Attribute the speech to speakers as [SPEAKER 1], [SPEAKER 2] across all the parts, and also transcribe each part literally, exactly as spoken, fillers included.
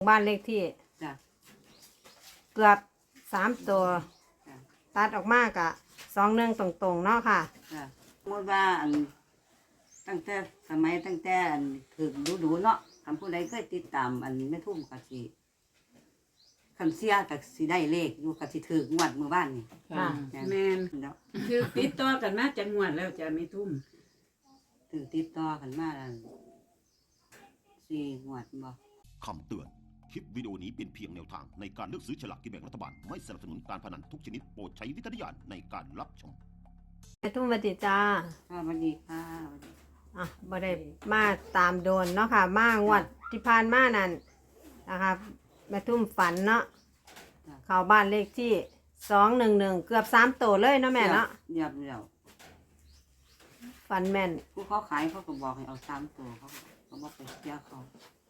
[SPEAKER 1] บ้านเลขที่
[SPEAKER 2] จ้ะ
[SPEAKER 1] เกือบสามตัว
[SPEAKER 2] จ้ะ
[SPEAKER 1] ตัดออกมากะสองหนึ่งตรงๆเนาะค่ะ
[SPEAKER 2] จ้ะสมมติว่าอันตั้งแต่สมัยตั้งแต่อันถึงดูดูๆเนาะคำผู้ใดเคยติดตามอันแม่ทุ่มกะสิคันเสียกะสิได้เลขอยู่กะสิถึงงวดเมื่อบ้านนี่
[SPEAKER 1] ค่ะ
[SPEAKER 3] แม่น
[SPEAKER 2] เนาะ
[SPEAKER 3] คือติดต่อกันมาจังหวัดแล้วจะไม่ทุ่ม
[SPEAKER 2] ถึงติดต่อกันมาแล้วสี่งวดบ่
[SPEAKER 4] คำเตือน คลิปวิดีโอนี้เป็นเพียงแนวทางในการเลือกซื้อฉลากกินแบ่งรัฐบาล ไม่สนับสนุนการพนันทุกชนิดโปรดใช้วิจารณญาณในการรับชม
[SPEAKER 1] แม่ทุ่มวัติจ้า
[SPEAKER 2] ค่ะสวัสดีค่ะสวัสดี
[SPEAKER 1] อ่ะบ่ได้มาตามโดนเนาะค่ะ มางวดที่ผ่านมานั่นนะคะแม่ทุ่มฝันเนาะเข้าบ้านเลขที่สองหนึ่งหนึ่งเกือบสามตัวเลยเนาะแม่เนาะ
[SPEAKER 2] เดี๋ยวเดี๋ยว
[SPEAKER 1] ฝันแม่น
[SPEAKER 2] ผู้เขาขายเขาก็บอกให้เอาสามตัวเขาเขาบอกไปเสียเขา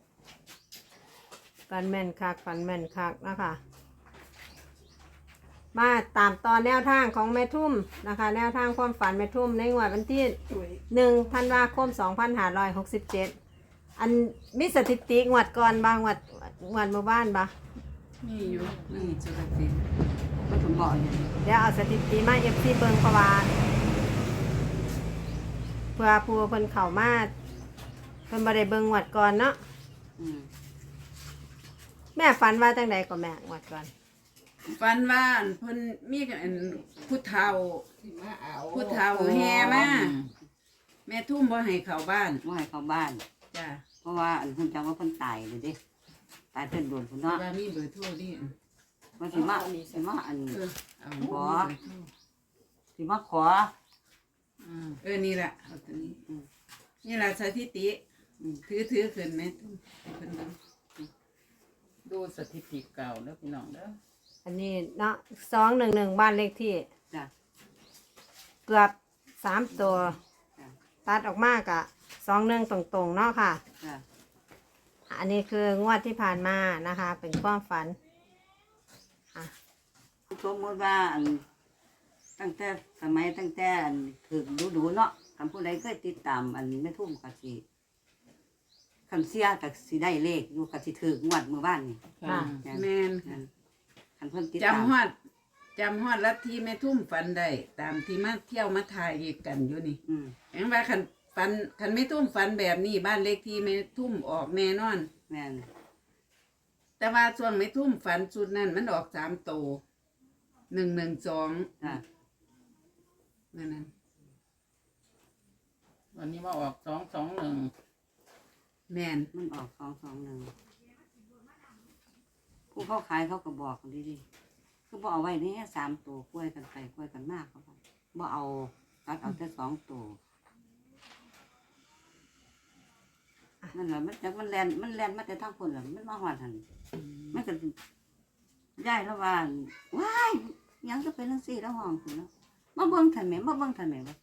[SPEAKER 1] ฝันแม่นคักฝันแม่นคักเนาะคะมาตามตอนแนวทางของแม่ทุ่มนะคะ แนวทางความฝันแม่ทุ่มในงวดวันที่หนึ่งธันวาคมสองพันห้าร้อยหกสิบเจ็ดอันมีสถิติงวดก่อนบางวดงวดเมื่อบ้านปะ
[SPEAKER 3] นี่อยู่นี่จุลศิลป์
[SPEAKER 2] ก็ถึงบอกอย่างนี้
[SPEAKER 1] เดี๋ยวเอาสถิติมาเอฟซีเบิงเพราะว่าเพื่อผู้เพิ่นเข้ามาเพิ่นบ่ได้เบิ่งงวดก่อนเนาะ
[SPEAKER 2] อืม
[SPEAKER 1] แม่ฝันว่าจังใดก็แม่งวดก่อน
[SPEAKER 3] ฟันว่าอันเพิ่นมีอันผู้เฒ่าผู้เฒ่าแห่มาแม่ทุ่มบ่ให้เข้าบ้าน
[SPEAKER 2] ว่าให้เขาบ้าน
[SPEAKER 3] จ้ะ
[SPEAKER 2] เพราะว่าอันคุณจังว่าเพิ่นตายเลยเด้ตายเพิ่นโดนพุ่นเนาะ
[SPEAKER 3] ว่ามีเบอร์โทรดิ
[SPEAKER 2] ว่าสิมาสิมาอัน
[SPEAKER 3] เออเอา
[SPEAKER 2] ขอ สิมาขอ
[SPEAKER 3] เออนี่แหละเอาตัวนี้
[SPEAKER 2] อืม
[SPEAKER 3] นี่แหละสถิติ
[SPEAKER 2] อืม
[SPEAKER 3] ถือถือขึ้นแม่ทุ่มให้เพิ่นเบิ่ง
[SPEAKER 5] ดูสถิติเก่าแล้วพี่น้องเด้อ
[SPEAKER 1] อันนี้เนาะสองหนึ่งหนึ่งบ้านเลขที่
[SPEAKER 2] จ้ะ
[SPEAKER 1] เกือบสามตัว
[SPEAKER 2] จ้ะ
[SPEAKER 1] ตัดออกมากะสองหนึ่งตรงๆเนาะค่ะ
[SPEAKER 2] จ้ะ
[SPEAKER 1] อันนี้คืองวดที่ผ่านมานะคะ เป็นความฝันอ่ะ
[SPEAKER 2] สมมติว่าอันตั้งแต่สมัยตั้งแต่อันถึงดูดูๆเนาะคำผู้ใดเคยติดตามอันแม่ทุ่มกะสิคันเสียกะสิได้เลขอยู่กะสิถึงงวดเมื่อบ้านนี่
[SPEAKER 1] ค่ะ
[SPEAKER 3] แม่น
[SPEAKER 2] นั่นคันเพิ่นติดตาม
[SPEAKER 3] จำฮอดจำฮอดลัทธิแม่ทุ่มฝันได้ตามที่มาเที่ยวมาถ่ายกันอยู่นี่
[SPEAKER 2] อืม
[SPEAKER 3] แองว่าคันฝันคันไม่ทุ่มฝันแบบนี้บ้านเลขที่ไม่ทุ่มออกแน่นอน
[SPEAKER 2] แม่น
[SPEAKER 3] แต่ว่าช่วงไม่ทุ่มฝันชุดนั้นมันออกสามโตหนึ่งหนึ่งสอง
[SPEAKER 2] จ้ะ
[SPEAKER 3] นั่นนั่น
[SPEAKER 5] วันนี้มาออกสองสองหนึ่ง
[SPEAKER 3] แมน
[SPEAKER 2] มันออกสองสองหนึ่งผู้เขาขายเขาก็บอกดีดีๆคือบ่เอาไว้นี่สามตัวกล้วยกันไปกล้วยกันมากเขาบอกบ่เอาตัดเอาแต่สองตัวนั่นแหละมันจากมันแลนมันแลนมาแต่ทางคนแหละมันมาหอดหันมันก็ย้ายแล้วว่าว้ายยังจะเป็นจังซี่แล้วห้องคุณเนาะมาเบิ่งทันแหม่มาเบิ่งทันแหม่ว่า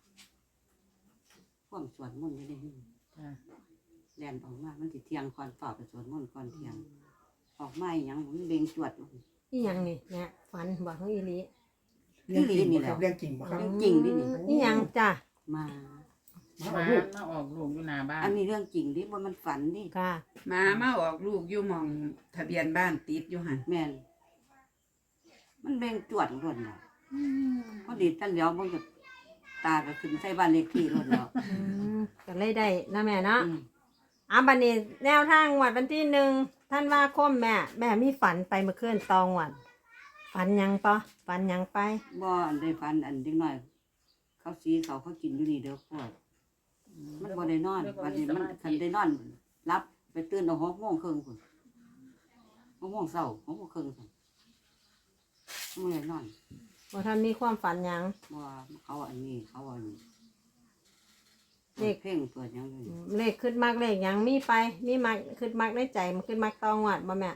[SPEAKER 2] ความสวดมนต์อยู่ในนี้
[SPEAKER 5] จ้ะ
[SPEAKER 2] แลนออกมามันสิเที่ยงก่อนฝ่าไปสวดมนต์ก่อนเที่ยง ออกมาอหยังมันเบ่งจวด
[SPEAKER 1] นี่ยังนี่เนี่ยฝันบอกของอีหลี
[SPEAKER 2] ที่ลีนี่แหละ
[SPEAKER 6] เรื่องจริงบ่ครับ
[SPEAKER 2] เรื่องจริงดินี่
[SPEAKER 1] นี่ยังจ้ะ
[SPEAKER 2] มา
[SPEAKER 5] มามาออกลูกอยู่หน้าบ้าน
[SPEAKER 2] อันนี้เรื่องจริงดิบ่มันฝันดิ
[SPEAKER 1] ค่ะ
[SPEAKER 3] หมามาออกลูกอยู่หมองทะเบียนบ้านติดอยู่หัน
[SPEAKER 2] แม่นมันเบ่งจวดรถเนาะพอดีตันเหลียวมันก็ตาก็ขึ้นใส่บ้านเลขที่รถเนาะ
[SPEAKER 1] อืมก็เลยได้นะแม่เนาะ
[SPEAKER 2] อืม
[SPEAKER 1] อ่ะบันนี้แนวทางงวดวันที่หนึ่งท่านว่าคมแม่ แม่มีฝันไปเมื่อคืนตองวันฝันหยังปะฝันหยังไป
[SPEAKER 2] บ่อันได้ฝันอันเด็กน้อย เขาสีเขาเขากินอยู่นี่เด้อพวกมันบ่ได้นอนวันนี้มันคันได้นอนรับไปตื่นเอาหกโมงครึ่งพุ่นหกโมงเช้าหกโมงครึ่งพุ่นมันได้นอน
[SPEAKER 1] ว่าท่านมีความฝันหยัง
[SPEAKER 2] ว่าเขาอันนี้เขาอันนี้
[SPEAKER 1] เลข
[SPEAKER 2] เพ่งเปิดยังอยู่
[SPEAKER 1] อืมเลขขึ้นมากเลขหยังมีไป มีมากขึ้นมากในใจมันขึ้นมากตองวัดบ่แม่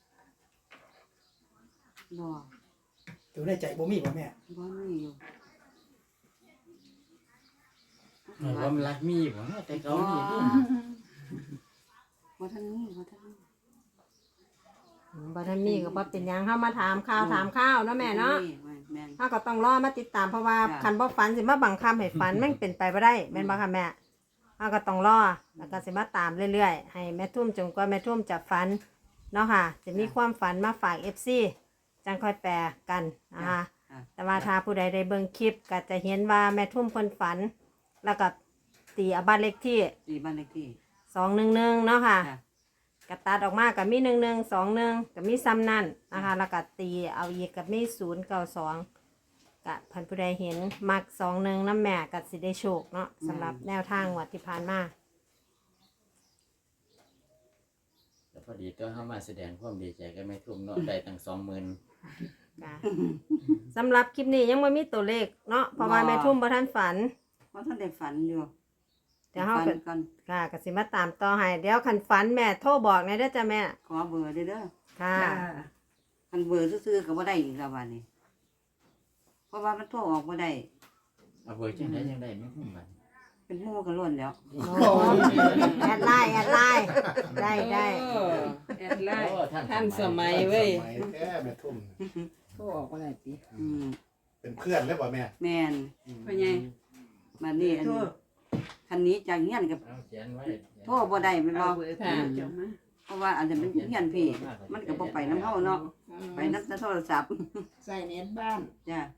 [SPEAKER 2] บ่
[SPEAKER 6] ตัวได้ใจบ่มีบ่แม่
[SPEAKER 2] บ่มีอยู่
[SPEAKER 5] หนูว่ามันรักมีบ่แต่เขามีนี่
[SPEAKER 2] บ่ทันมีบ่ทันมี
[SPEAKER 1] อืมบ่ท่านมีก็บ่เป็นหยังเข้ามาถามข่าวถามข้าวเนาะแม่เนาะ
[SPEAKER 2] แม่น
[SPEAKER 1] เขาก็ต้องรอมาติดตามเพราะว่า
[SPEAKER 2] จ้ะ
[SPEAKER 1] คันบ่ฝันสิมาบังคับให้ฝันมันเป็นไปบ่ได้แม่นบ่ค่ะแม่เขาก็ต้องรอแล้วก็สิมาตามเรื่อยๆให้แม่ทุ่มจนกว่าแม่ทุ่มจะฝันเนาะค่ะ จะมีความฝันมาฝาก เอฟ ซี จังค่อยแปลกันนะคะ
[SPEAKER 2] อ่ะ
[SPEAKER 1] แต่ว่าถ้าผู้ใดได้เบิ่งคลิปก็จะเห็นว่าแม่ทุ่มเพิ่นฝัน แล้วก็ตีเอาบ้านเลขที่
[SPEAKER 2] ตีบ้านเลขที่
[SPEAKER 1] สองหนึ่งหนึ่งเนาะค่ะ
[SPEAKER 2] จ้ะ
[SPEAKER 1] กระตัดออกมากับมีหนึ่งหนึ่งสองหนึ่งกับมีซ้ำนั่นนะคะแล้วก็ตีเอาอีกกับมีศูนย์เก้าสองกับพันผู้ใดเห็นมักสองหนึ่งน้ำแม่กับสิได้โชคเนาะสำหรับแนวทางงวัดที่ผ่านมา
[SPEAKER 7] แต่พอดีตัวเข้ามาแสดงความดีใจกับแม่ทุ่มเนาะได้ตั้งสองหมื่น
[SPEAKER 1] ค่ะสำหรับคลิปนี้ยังไม่มีตัวเลขเนาะเพราะว่าแม่ทุ่มบ่ทันฝัน
[SPEAKER 2] เพราะท่านได้ฝันอยู่
[SPEAKER 1] เดี๋ยวเฮา
[SPEAKER 2] ฝั
[SPEAKER 1] ก็
[SPEAKER 2] นก่อน
[SPEAKER 1] ค่ะก็สิมาตามต่อให้เดี๋ยวคันฝันแม่โทรบอกในอยเด้อจ้ะแม่
[SPEAKER 2] ขอเบอร์เด้อเด้อ
[SPEAKER 1] ค่ะ
[SPEAKER 3] จ้า
[SPEAKER 2] คันเบอร์ซื่อๆก็บ่ได้อีกแล้ววันนี้เพราะว่ามันโทรออกบ่ได้
[SPEAKER 7] เอาเบอร์จังได้จังได้แม่ทุ่มบัด
[SPEAKER 2] เป็นหมู่กันล้วนแล้ว
[SPEAKER 1] โอ้แอดไลน์แอดไลน์ได้ได้
[SPEAKER 5] โอ้แอดไลน์
[SPEAKER 7] โอ้
[SPEAKER 5] ท่านสมัยเว้ย
[SPEAKER 6] สมัยแท้แม่ทุ่ม
[SPEAKER 5] โทรออกว่าไรติ
[SPEAKER 2] อืม
[SPEAKER 6] เป็นเพื่อนเลยบ่แม่
[SPEAKER 2] แม่น
[SPEAKER 3] พ่อใหญ่
[SPEAKER 2] มานี่อันคันนี้จากเฮียนกับ
[SPEAKER 7] เอาเขียนไว้
[SPEAKER 2] โทรบ่ได้แม่นบ่
[SPEAKER 3] เอาเบอร์โทรเจ้ามา
[SPEAKER 2] เพราะว่าอันนั้นมันเฮียนพี่ มันก็บ่ไปนำเฮาเนาะไปนำแต่โทรศัพท์
[SPEAKER 3] ใส่เน็ตบ้าน
[SPEAKER 2] จ้ะ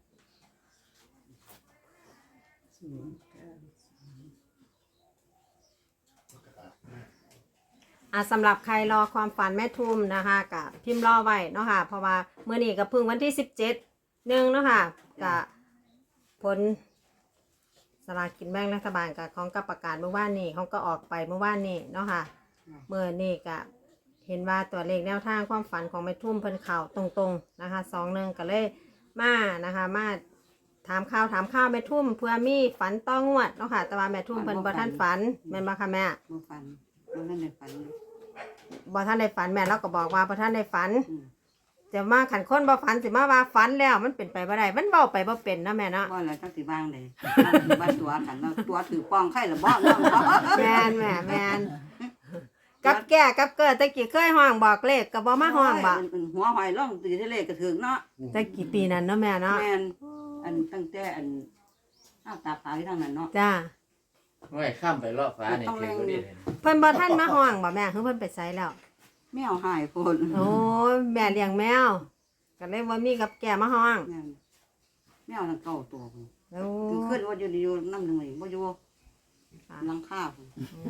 [SPEAKER 1] อ่ะสำหรับใครรอความฝันแม่ทุ่มนะคะกับพิมพ์รอไว้เนาะค่ะเพราะว่าเมื่อนี้ก็เพึ่งวันที่สิบเจ็ดหนึ่งเนาะค่ะกับผลสลากกินแบ่งรัฐบาลกับของกับประกาศเมื่อวานนี้เขาก็ออกไปเมื่อวานนี้เนาะค่ะเมื่อนี้ก็เห็นว่าตัวเลขแนวทางความฝันของแม่ทุ่มเพิ่นเข่าตรงๆนะคะสองหนึ่งก็เลยมานะคะมาถามข่าวถามข่าวแม่ทุ่มเพื่อมีฝันต้องงวดเนาะค่ะแต่ว่าแม่ทุ่มเพิ่นบ่ทันฝันแม่นบ่ค่ะแม่
[SPEAKER 2] บ่ฝันบ่ทันได้ฝัน
[SPEAKER 1] บ่ท่านได้ฝันแม่เราก็บอกว่าบ่ท่านได้ฝัน
[SPEAKER 2] อืม
[SPEAKER 1] จะมาขันคนบ่ฝันสิมาว่าฝันแล้วมันเป็นไปบ่ได้มันเว้าไปบ่เป็นนะแม่เนาะ
[SPEAKER 2] บ่แล้วจักสิวางได้บ้านตัวกันเนาะตัวถือป้องไข่ละบ่เนาะ
[SPEAKER 1] แม่นแม่แม่นกับแก่กับเกิดตะกี้เคยห้องบอกเลขก็บ่มาห้องบ่
[SPEAKER 2] หัวหอยล่องตีทะเลก็ถึงเนาะ
[SPEAKER 1] ตะกี้ปีนั้นเนาะแม่เนาะ
[SPEAKER 2] แม่นอันตั้งแต่อันอ้าวตาขาวที่ทางนั้นเนาะ
[SPEAKER 1] จ้า
[SPEAKER 7] ไว้ข้ามไปรอบฟ้านี่คือบ่ได้เลย
[SPEAKER 1] เพิ่นบ่ทันมาห้องบ่แม่คือเพิ่นไปไสแล้ว
[SPEAKER 2] แมวหายโพด
[SPEAKER 1] โอ้ยแม่เลี้ยงแมวก็เลยบ่มีกับแก่มาห้อง
[SPEAKER 2] แม่นแมวทั้งเก้าตัวพุ่น
[SPEAKER 1] โอ้
[SPEAKER 2] คือขึ้นว่าอยู่อยู่น้ำหนึ่งเลยบ่อยู่หลังคาพุ่น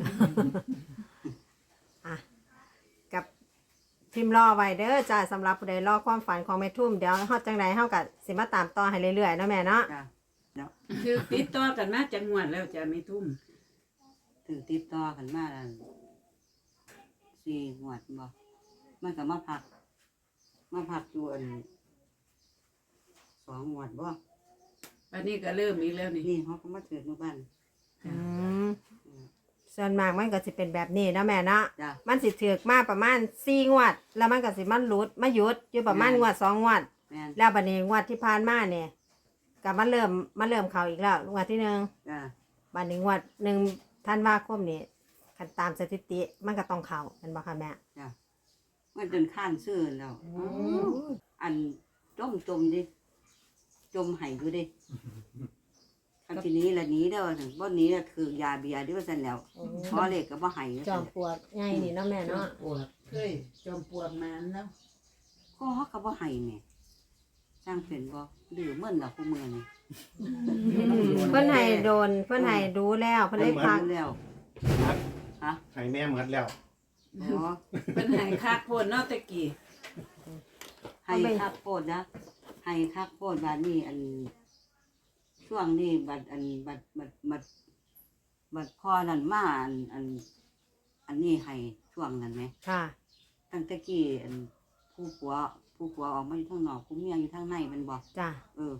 [SPEAKER 1] อ่ะกับพิมพ์รอไว้เด้อจ้าสำหรับผู้ใดรอความฝันของแม่ทุ่มเดี๋ยวเฮาจังไดเฮาก็สิมาตามต่อให้เรื่อยๆเนาะแม่เนาะ
[SPEAKER 2] จ้ะเดี๋ยว
[SPEAKER 3] คือติดต่อกันมาจังหวัดแล้วจะไม่ทุ่ม
[SPEAKER 2] ถือติดต่อกันมาอันสี่งวดบ่มันก็มาพัก มาพักอยู่อันสองงวดบ่
[SPEAKER 3] วันนี้ก็เริ่มอีกแล้วนี่
[SPEAKER 2] นี่เขาก็มาถือหมู่บ้าน
[SPEAKER 1] อืมส่วนมากมันก็สิเป็นแบบนี้เนาะแม่เนาะ
[SPEAKER 2] จ้ะ
[SPEAKER 1] มันสิถือกมาประมาณสี่งวด แล้วมันก็สิมันหลุดมาหยุดอยู่ประมาณงวดสองงวด
[SPEAKER 2] แม่น
[SPEAKER 1] แล้วบัดนี้งวดที่ผ่านมาเนี่ยก็มันเริ่มมันเริ่มเข้าอีกแล้วงวดที่หนึ่ง
[SPEAKER 2] จ้ะ
[SPEAKER 1] บัดนี้งวดหนึ่งธันวาคมนี่คันตามสถิติมันก็ต้องเข้าเป็นบ่ค่ะแม่
[SPEAKER 2] จ้ะมันจนข้านซื่อแล้ว อันจมจมดิจมไห้อยู่ดิคำทีนี้ละหนี้เด้อถึงบ่หนี้ละคือยาเบียร์ด้วยว่าซั่นแล้วพอเลขก็บ่ไห้
[SPEAKER 1] จอมปลวกใหญ่นี่เนาะแม่เนาะ
[SPEAKER 5] ปวดเคยจอมปวดมานแล้ว
[SPEAKER 2] ก็เฮาก็บ่ไห้แหม่สร้างเป็นบ่ดื้อเหมือนล่ะผู้เมืองนี่
[SPEAKER 1] เพิ่นให้โดนเพิ่นให้ดูแล้วเพิ่นได้พัก
[SPEAKER 2] แล้ว ฮะ
[SPEAKER 6] ให้แม่หมดแล้ว
[SPEAKER 2] อ๋อ
[SPEAKER 3] เป็นใหายคักโพดเนาะตะกี้
[SPEAKER 2] ให้คักโพดนะให้คักโพดบาดนี้อัน ช่วงนี้บัดอันบัดบัดบัดบัดพ่อนั่นมาอันอัน อันนี้ให้ช่วงนั้นไหม
[SPEAKER 1] ค่ะ
[SPEAKER 2] ตั้งแต่กี้อันผู้ผัวผู้ผัวออกมาอยู่ข้างนอกผู้เมียอยู่ข้างในแมันบอก
[SPEAKER 1] จ้ะ
[SPEAKER 2] เออ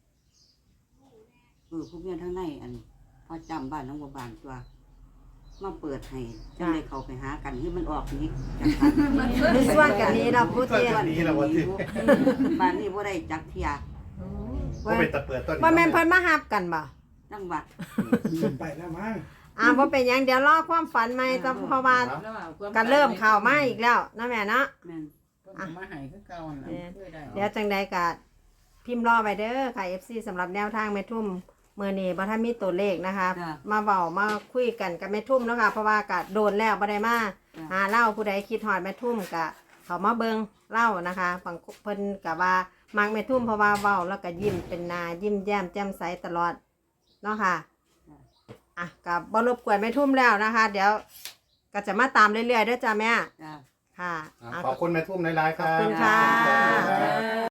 [SPEAKER 2] เออผู้เมียข้างในอันพอจำบ้านน้องบัวบานตัวมาเปิดให้จังได้เข้าไปหากันที่มันออกนี้จากกัน
[SPEAKER 1] ในส่วนกันนี้เราพูด
[SPEAKER 6] ต้น
[SPEAKER 1] เทีย
[SPEAKER 6] ต้นนี้เราบ่ถือ
[SPEAKER 2] บ้านนี้บ่ได้จักเทีย
[SPEAKER 6] บ่เป็นตะเปิดต้นนี้
[SPEAKER 1] ว่าแม่นเพิ่นมาฮับกันบ่
[SPEAKER 2] จังหวัด
[SPEAKER 6] ไปแล้วมั้ง
[SPEAKER 1] อ่าบ่เป็นหยังเดี๋ยวรอความฝันใหม่จะเพราะว่า
[SPEAKER 5] แล้วเอาความ
[SPEAKER 1] ก็เริ่มเข้ามาอีกแล้วนะแม่เนาะ
[SPEAKER 2] แม่น
[SPEAKER 5] เพิ่นก็มาให้คือเก่านั่นล่ะเคยได้
[SPEAKER 1] เดี๋ยวจังใดก็พิมพ์รอไว้เด้อค่ะ เอฟ ซี สำหรับแนวทางแม่ทุ่มมื้อนี้บ่ทันมีตัวเลขนะคะ มาเว้ามาคุยกันกับแม่ทุ่มเนาะค่ะเพราะว่าก็โดนแล้วบ่ได้มาหาเล่าผู้ใดคิดฮอดแม่ทุ่มก็หเขามาเบิงเล่านะคะบางเพิ่นกับว่ามักแม่ทุ่มเพราะว่าเว้าแล้วก็ยิ้มเป็นหนายิ้มแย้มแจ่มใสตลอดเนาะค่ะอ่ะกับบรบกวนแม่ทุ่มแล้วนะคะ เดี๋ยวก็จะมาตามเรื่อยๆเด้วยจ้าแม่
[SPEAKER 2] จ้า
[SPEAKER 1] ค่ะ
[SPEAKER 6] ขอบคุณแม่ทุ่มหลายๆค
[SPEAKER 1] ข
[SPEAKER 6] รั
[SPEAKER 1] อบบ คุณค่ะ
[SPEAKER 6] ขอบคุณครับ